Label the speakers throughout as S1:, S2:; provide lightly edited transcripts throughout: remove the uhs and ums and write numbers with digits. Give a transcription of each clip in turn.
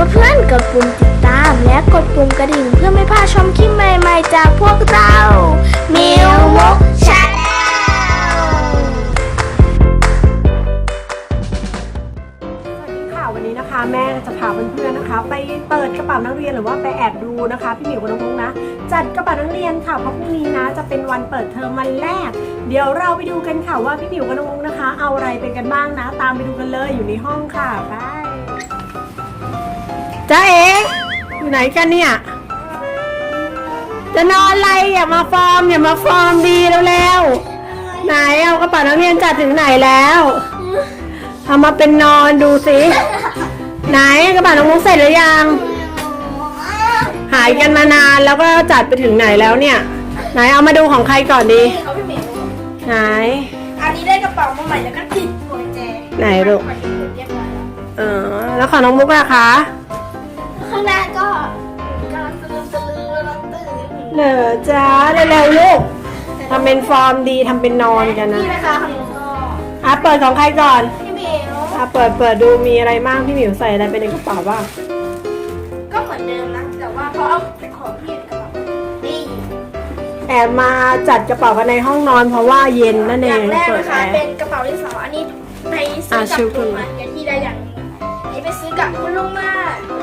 S1: เพื่อนๆกดปุ่มติดตามและกดปุ่มกระดิ่งเพื่อไม่พลาดชมคลิปใหม่ๆจากพวกเรามิวมกชาแนล
S2: สวัสดีค่ะวันนี้นะคะแม่จะพาเพื่อนๆนะคะไปเปิดกระเป๋านักเรียนหรือว่าไปแอบดูนะคะพี่หมิวกับน้องมุกนะจัดกระเป๋านักเรียนค่ะเพราะพรุ่งนี้นะจะเป็นวันเปิดเทอมวันแรกเดี๋ยวเราไปดูกันค่ะว่าพี่หมิวกับน้องมุกนะคะเอาอะไรไปกันบ้างนะตามไปดูกันเลยอยู่ในห้องค่ะไปจ้าเอ๋อยู่ไหนกันเนี่ยจะนอนอะไรอย่ามาฟอร์มดีเร็วๆไหนเอากระเป๋านักเรียนจัดถึงไหนแล้วเอามาเป็นนอนดูสิไหนกระเป๋าน้องมุกเสร็จหรือยังหายกันมานานแล้วก็จัดไปถึงไหนแล้วเนี่ยไหนเอามาดูของใครก่อนดี
S1: เขาพี่หมิว
S2: ไหน
S1: อันนี้ได้กระเป๋ามาใหม่แล้วก็ติดหัวใจ
S2: ไหนลูกแล้วของน้องมุกอะคะ
S1: ข้างหน้าก็กำลังตื่น
S2: เหรอจ้าเร็วๆลูกทำเป็นฟอร์มดีทำเป็นนอนกันนะ
S1: นี่นะคะของหนูก็
S2: เปิดของใครก่อน
S1: พี่หมิว
S2: เปิดดูมีอะไรบ้างพี่หมิวใส่อะไรไปในกระเป๋าบ้าง
S1: ก็เหมือนเดิมนะแต่ว่าเขาเอาแต่ของพี่ในกระเป๋านี่
S2: แอบมาจัดกระเป๋ากันในห้องนอนเพราะว่าเย็นนั่นเอง
S1: อย่างแรกนะคะเป็นกระเป๋าดินสออันนี้ไปซื้อกับลุงมาอย่างที่ได้อย่างนี้ไปซื้อกับคุณลุงมา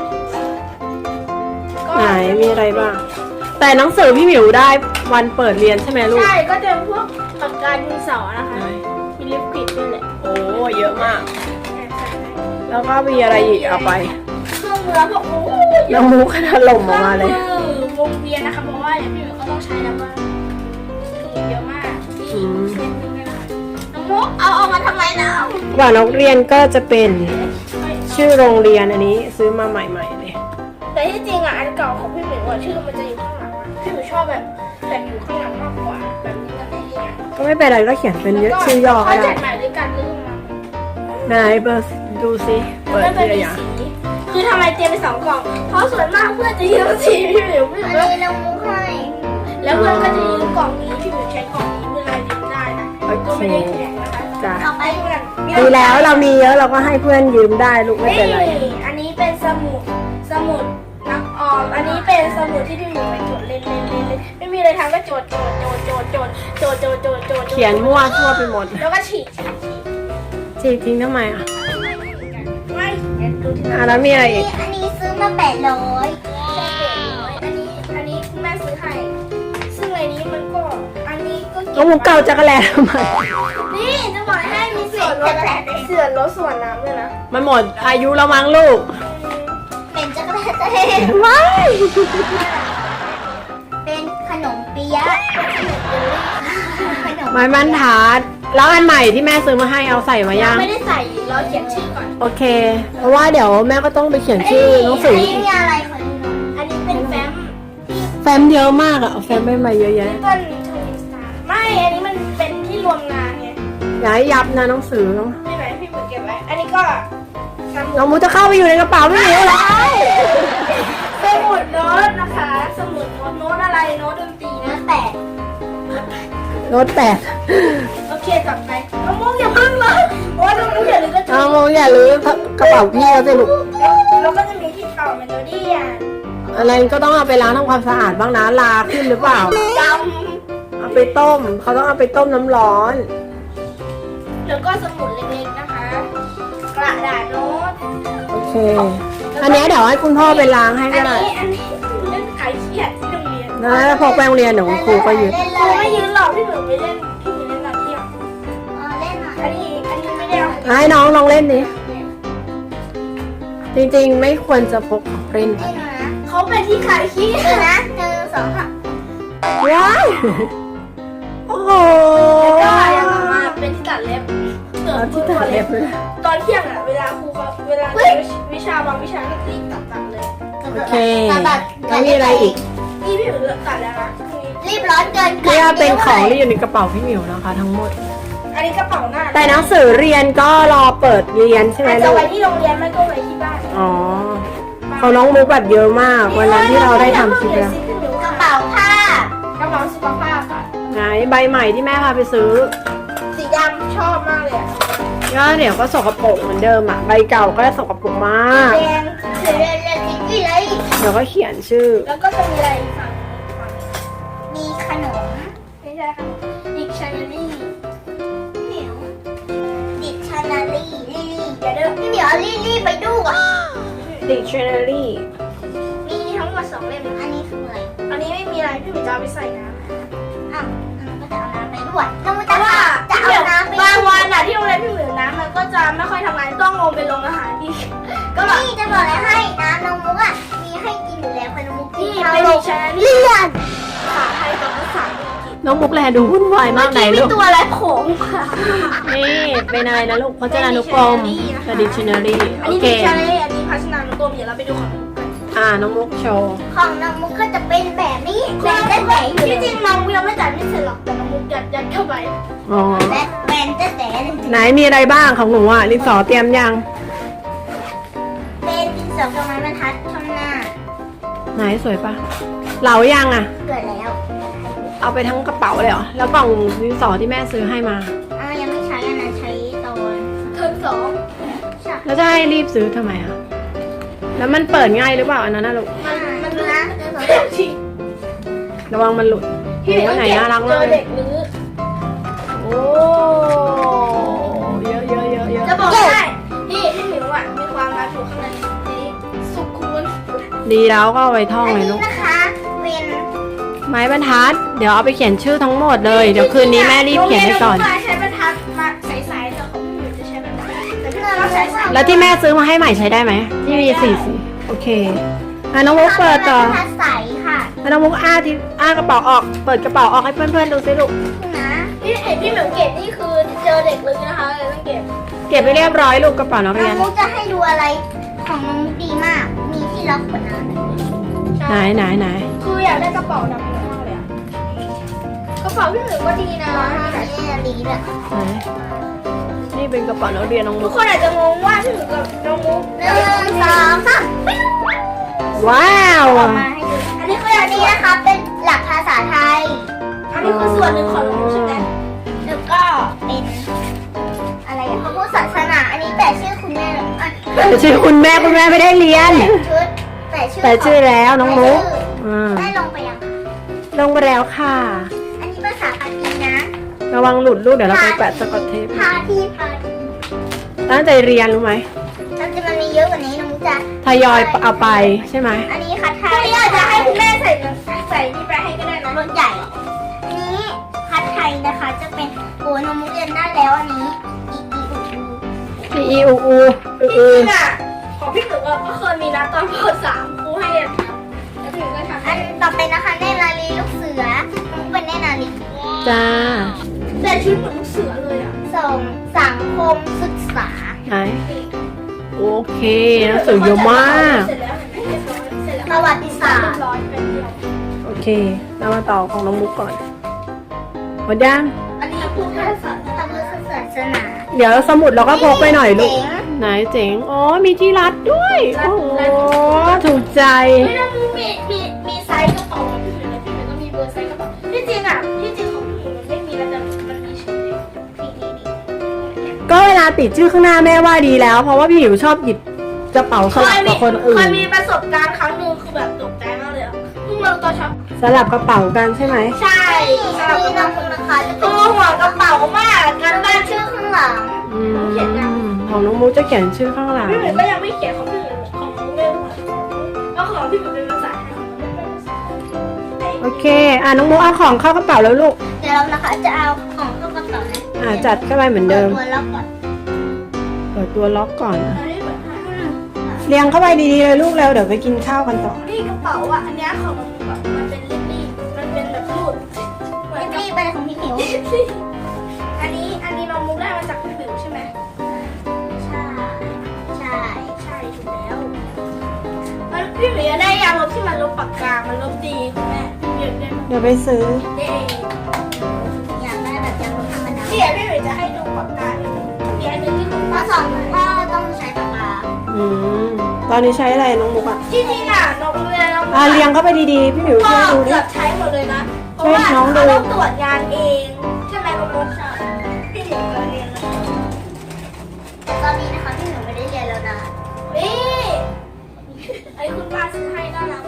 S2: ไหนมีอะไรบ้างแต่หนังสือพี่หมิวได้วันเปิดเรียนใช่ไหมลูก
S1: ใช่ก็จะเป็นพวกปากกาดินสอนะคะมีลิปกริดด้วยแหละ
S2: โอ้เยอะมากแล้วก็มีอะไรอีกเอาไป
S1: เครื่องมือพวก
S2: น้ำมูกถล่มออกมาเล
S1: ยวงเวียนนะคะเพราะว่าอย่างพี่หมิวก็ต้องใช้แล้วว่าถุงเยอะมากนี่เส้นนึงเลยนะคะน้องมุกเอาออกมาทำไมนะ
S2: กว่านักเรียนก็จะเป็นชื่อโรงเรียนอันนี้ซื้อมาใหม่ๆเลย
S1: แต่ที่จริงอ่ะอันเก่าของพี่หมิวชื่อมันจะอยู่ข้างหลังพี่หมิวชอบแบบอยู่ข้างหลังมากกว่าแบบนี้ก็ได้ยัง
S2: ก็ไม่เป็นไรก็เขียนเป็นชื่อย่อก็ได้
S1: จัดใหม่ด้วยกันลืม
S2: ไหนเปิดดูสิเปิดทีละอย่าง
S1: คือทำไมเตรียมไป2 กล่องเพราะส่วนมากเพื่อนจะยืมสีพี่หมิวอันนี้เรามุกให้แล้วเพื่อนก็จะยืมกล่องนี้พี่หมิวใช้กล่องนี้เวลายืมได้นะก็ไม่ได้แข็งนะคะ
S2: จ้ะ
S1: เอาไปเพื่อน
S2: ดีแล้วเรามีเยอะเราก็ให้เพื่อนยืมได้ลูกไม่เป็นไร
S1: อันนี้เป็นสมุดนักออมอันนี้เป็นสมุดที่พี่หมิวไปจดเล่นไม่มีอะไรทำก็จด
S2: เขียนมั่วทั่วไปหมด
S1: แล้วก็ฉีก
S2: ทิ้งทำไมอ่ะ
S1: ไม่ดูที่
S2: แล้วมีอะไรอีก
S1: อันนี้ซื้อมา800อันนี้แม่ซื้อให้ซึ่งในนี้มันก็อันนี้ก็
S2: น้องมุกเก่าจักรแลทำไม
S1: นี่จะบอกให้มีส่วนลดส่วนน้ำด้วยนะ
S2: มันหมดอายุแล้วมั้งลูก
S1: เป็นจักรแลจะเห็น
S2: ไม่
S1: เป็นขนมเปี๊ยะ
S2: ไม้บรรทัดแล้วอันใหม่ที่แม่ซื้อมาให้เอาใส่มายัง
S1: ไม่ได้ใส่รอเขียนชื่อก่อน
S2: โอเคเพราะว่าเดี๋ยวแม่ก็ต้องไปเขียนชื่อหนังสือ
S1: อันนี้มีอะไรขอดูหน่อยอันนี้เป็น
S2: แฟ้มเยอะมากอ่ะเอาแฟ้มไปใหม่เยอะแยะ
S1: ไม่อันนี้มันเป็นที่รวมงานไง
S2: อย่าให้ยับนะหนังสือ
S1: ไม่ไหนพี่หมูเก็บไว้อันนี้ก็
S2: น้องมูจะเข้าไปอยู่ในกระเป๋าไม่หิวเลย
S1: สมุดโน้ตนะคะสมุดโน้ตอะไรโน้ตดนตรีนะ
S2: โน้ต
S1: 8โอเคต่อไปน้องมุกอย่าพึ่งเลยโอ้น้องมุกอย่าลืมกระจก
S2: น้องมุกอย่าลืมกระเป๋าพี่เขาสิลูก
S1: แล้วก็จะมีที่ต่อเมโลดี้
S2: อะไรก็ต้องเอาไปล้างทำความสะอาดบ้างนะลาขึ้นหรือเปล่าเอาไปต้มเขาต้องเอาไปต้มน้ำร้อน
S1: แล้วก็สมุดเล็กๆนะคะกระดาษโน้ต
S2: โอเคอันนี้เดี๋ยวให้คุณพ่อไปล้างให้ก็ได้
S1: อันนี้เล่นขายเขียดที่โรงเรียน
S2: นะพอไปโรงเรียนเดี๋ยวครูก็ยืน
S1: ไม่ยืนหรอกพี่หนูไม่เล่นพี่หนูเล่นแบบเที่ยวเล่นอันนี้ไม่ได้
S2: ให้น้องลองเล่นดิจริงๆไม่ควรจะพกของเล่น
S1: เขาเป็นที่ขายขี้นะ1 2 ค่ะ
S2: ว้ายโอ้โห
S1: ก็ยังมาเป็นที่ตัดเล็บ
S2: ที่ตัดเล็บเลย
S1: ตอนเที่ยงอ่ะเวลาครูเขาเวลาวิชาบางวิชาก็รีบตัดเลย
S2: โอเคแล้วมีอะไรอีก
S1: นี่พี่หมิวตัดแล้วนะรีบร้อนเกิน
S2: นี่เป็นของที่อยู่ในกระเป๋าพี่หมิวนะคะทั้งหมด
S1: อันนี้กระเป๋าหน้า
S2: แต่หนังสือเรียนก็รอเปิดเรียนใช่ไหมลูก
S1: จะไว้ที่โรงเรียนไม่ก็ไว้ที่บ้าน
S2: อ๋อเขาน้องมุกแบบเยอะมากวันนั้นที่เราได้ทำคลิปแล้ว
S1: กระเป๋าผ้ากระเป๋าสุขภาพค่ะ
S2: ไหนใบใหม่ที่แม่พาไปซื้อ
S1: สีดำชอบมากเลยอ่ะ
S2: ก็เดี๋ยวก็สกปรกเหมือนเดิมอ่ะใบเก่าก็สกปรกมาก
S1: แดงเล่น
S2: เดี๋ยวก็เขียนชื่อ
S1: แล้วก็จะมีอะไรอีกฝั่งมีขนมไม่ใช่ขนมดิกชันนารีเหมียวดิกชันนารีลี่เดี๋ยวพี่เหมียวเอาลี่ไปดูก่อน
S2: Dictionary
S1: มีทั้งหมด2 เล่มอันนี้คืออะไรอันนี้ไม่มีอะไรพี่เหมียวจะเอาไปใส่น้ำอ้าวมันก็จะเอาน้ำไปด้วยต้องจะเอาน้ำไปบางวันอะที่โรงเรียนพี่เหมียวน้ำมันก็จะไม่ค่อยทำงานต้องลงไปลงอาหารที่ก็แบบนี่จะบอกอะไรให้น้ำน้องมุกอะมีให้กินอยู่แล้วค่ะน้องมุกกินไปดิฉันเลื่อนภาษาไทยกับภาษาอังกฤษ
S2: น้องมุกแลดูวุ่นวายมากไหน
S1: มี
S2: ลูก
S1: ตัวอะไรโผล่ค่ะ
S2: นี่เป็นอะไรนะลูกพจนานุกรมกับ Dictionary
S1: อัน
S2: โอ
S1: นี้
S2: เค
S1: ดิฉันอันนี้พัฒนานุกรมเดี๋ยวเราไปดูของน้องมุกกัน
S2: น้องมุกโชว์
S1: ของน้องมุกก็จะเป็นแบบนี้แต่แต่ที่จริงน้องมุกยังไม่จัดไม่เสร็จหรอกแต่น้องมุกยัดเข้าไป
S2: อ๋อ
S1: และเป็นแต่
S2: ไหนมีอะไรบ้างของหนูอ่ะดินสอเตรียมยัง
S1: เป็นดินสอกับไม้บรรทัดข้างหน้า
S2: ไหนสวยปะเหลายังอ่ะ
S1: เกิดแล้ว
S2: เอาไปทั้งกระเป๋าเลยเหรอแล้วกล่องดินสอที่แม่ซื้อให้มา
S1: ยังไม่ใช้อันนั้นใช้ตอนเทอม2ใช่
S2: แล้วจะให้รีบซื้อทำไมอ่ะแล้วมันเปิดง่ายหรือเปล่าอันนั้นนะลูก
S1: มันนะที่
S2: ระวังมันหลุดโอ้ไหนน่ารักมาก
S1: เจอ
S2: เล
S1: เด็
S2: ย
S1: กรื้อ
S2: โอ้เยอะเยอะเยอะเยอะ
S1: จะบอกได้พี่หมิวอ่ะมีความรักอยู่ข้างในนี้สุขุม
S2: ดีแล้วก็เอาไว้ท่องเลยลูก
S1: นะคะเป็น
S2: ไม้บรรทัดเดี๋ยวเอาไปเขียนชื่อทั้งหมดเลยเดี๋ยวคืนนี้แม่รีบเขียนให้ก่อน
S1: ใช้บรรทัดมาใสๆแต่ของพี่หมิวจะใช้บรรทัดแต่พี่หมิวเราใช้ใส
S2: แล้วที่แม่ซื้อมาให้ใหม่ใช้ได้ไหมที่มี4 สีโอเคน้องมุกเปิดต่อ
S1: ทัดใสค่ะ
S2: น้องมุกกระเป๋าออกเปิดกระเป๋าออกให้เพื่อนๆดูสิลูก
S1: นะพี่เห็นพี่หมิวเก็บนี่คือเจอเด็กเลยนะคะเลยต้องเก็บ
S2: เก็บไปเรียบร้อยลูกกระเป๋านัก
S1: น้
S2: เรี
S1: อย ง
S2: น
S1: มุกจะให้ดูอะไรของน้องมุกดีมาก มีที่ล็อกขวดน้ำ
S2: ไหน
S1: คืออยากได้กระเป๋าดำมากเลยอะกระเป๋าพี่หมิวก็ดีนะนี่ดีแบบ
S2: ไหนนี่เป็นกระเป๋านักเรียนน้อง
S1: ทุ
S2: มุ
S1: ก
S2: ก
S1: คนอาจจะงงว่าพี่หมิวกับน้องมุก1 2 3
S2: ว้าว
S1: ออกมาให้ดูอันนี้คืออันนี้นะคะเป็นหลักภาษาไทย อันนี้คือส่วนหนึ่งของน้องมุกใช่ไหมแล้วก็เป็นอะไรพระพุทธศาสนา อันนี้แปะชื่อคุณแม่อ่ะ
S2: แต่ชื่อคุณแม่ไม่ได้เรียน
S1: ชุดแปะชื่อ
S2: แต่ชื่อแล้วน้องมุก
S1: ได้ลงไปยัง
S2: ลงไปแล้วค่ะ
S1: อันนี้ภาษาปากีนะ
S2: ระวังหลุดลูกเดี๋ยวเราไปแปะสกอตเทป
S1: พาที่
S2: ตั้งใจเรียนรู้ไหม
S1: มันมีเยอะกว่านี้น้องมุกจะ
S2: ทยอยเอาไปใช่ไหม
S1: อันนี้คัดไทยคุณอาจจะให้คุณแม่ใส่นี่ไปให้ก็ได้นะรถใหญ่ อันนี้คัดไทยนะคะจะเป็นโอ้น้องมุกเรียนได้แล้วอันนี้
S2: อีอูอู
S1: จริงอ่ะของพี่หนูก็เคยมีนะตอนป .3 ครูให้แล้วพี่หนูก็ทำอันต่อไปนะคะเนตรนารีลูกเสือมุกเป็นเนตรนารี
S2: จ้า
S1: แต่ชุดเหมือนลูกเสือเลยอ่ะสังคมศึกษา
S2: ไหนโอเคหนังสือเยอะมาก
S1: เสร็จแล้วเห็นไหมเสร็จแล้วประวัติศาสตร์ร้อยเป็นเดียว
S2: โอเคเรามาต่อของน้องมุกก่อนหมดยัง
S1: อันนี้พูดแค่ศาสนา
S2: เดี๋ยวสมุดเราก็พกไปหน่อยลูก
S1: เจ๋ง
S2: ไหนเจ๋งอ๋อมีที่รัดด้วย
S1: รัด
S2: โอ้โห
S1: รัด
S2: ถูกใจ
S1: ไม่ต้องมีไซส์กระเป๋าของพี่หมิวเลยพี่หมิวก็มีเบอร์ไซส์กระเป๋าที่จริงของพี่หมิวมันไม่มีแล้วแต่มันมีชื่อเดียวนี่
S2: ก็เวลาติดชื่อข้างหน้าแม่ว่าดีแล้ว เพราะว่าพี่หิวชอบหยิบกระเป๋าสลับกับคนอื่
S1: เคย
S2: น
S1: มีประสบการณ์ครั้งหนึ่งคือแบบตกใจมากเลยอ่ะเพิ่งรู้ตัวช็อป
S2: สลับกระเป๋ากันใช่ไหม
S1: ใช่สำหรับกระเป๋าคนนะคะตัวหัวกระเป๋ามากการบ้านชื่อข้างหลัง
S2: อืมของน้องมุกจะเขียนชื่อข้างหลัง
S1: พี่หมิวก็ยังไม่เขียนของพี่หมิวของมุกไม่รู้แล้วของพี่หมิวเป็นภาษาไทยของมุกเป็นภาษาไทย
S2: โอเคน้องมุกเอาของเข้ากระเป๋าแล้วลูก
S1: เดี๋ยวเรานะคะจะเอาของเข้ากระเป๋านะ
S2: จัดเข้าไปเหมือนเดิม
S1: ตัวล็อกก่อน
S2: เปิดตัวล็อกก่อนนะ
S1: อันนี้เหมือนกัน
S2: เรียงเข้าไปดีๆเลยลูกเร็วเดี๋ยวไปกินข้าวกันต่อ
S1: นี่กระเป๋าอ่ะอันเนี้ยของมันแบบมันเป็นรีบๆมันเป็นแบบรูดเหมือนรีบไปของพี่หมิวอันนี้น้องมุกได้มาจากพี่หมิวใช่ไหมใช่ถูกแล้วมันพี่หมิวได้ยางลบที่มันลบปากกามันลบดีคุณแม่พี่หมิวได้มา
S2: เดี๋ยวไปซื้อ
S1: ได้อยากได้แบบยางลบธรรมดาพี่หมิวจะให้ดูปากกามีอันนึงที่คุณพ่อสอนก็ต้องใช้ปากกา
S2: อืมตอนนี้ใช้อะไรน้องมุกอ่ะ
S1: จริงๆอ่ะน้องเรียนน้อง
S2: เรียงเข้าไปดีๆพี่หมิว
S1: พ่
S2: ช่
S1: อ
S2: วยดูดิ
S1: เกือบใช้หมดเลยนะเพราะว่า
S2: ช่วยน้องดู
S1: เราต้องตรวจงานเองใช่ไหมน้องมุกใช่พี่หมิวเคยเรียนแล้วแต่ตอนนี้นะคะพี่หมิวไม่ได้เรียนแล้วนะนี่ไอ้คุณป้าซื้อให้น่ารัก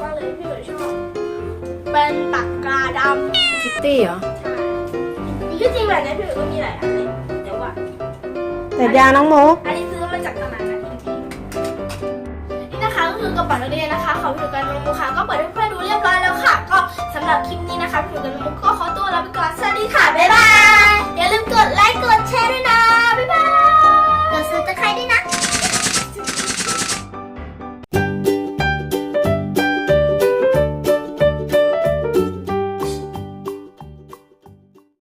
S2: ตี้เหรอ
S1: ที่จริงแบบนี้พี่หมิวก็มีหลายอันเลยแต่ว่า
S2: แต่ยางน้องมุก
S1: อันนี้ซื้อมาจากตลาดนัดจริงๆนี่นะคะก็คือกระเป๋านักเรียนนะคะของพี่หมิวกันน้องมุกค่ะก็เปิดให้เพื่อน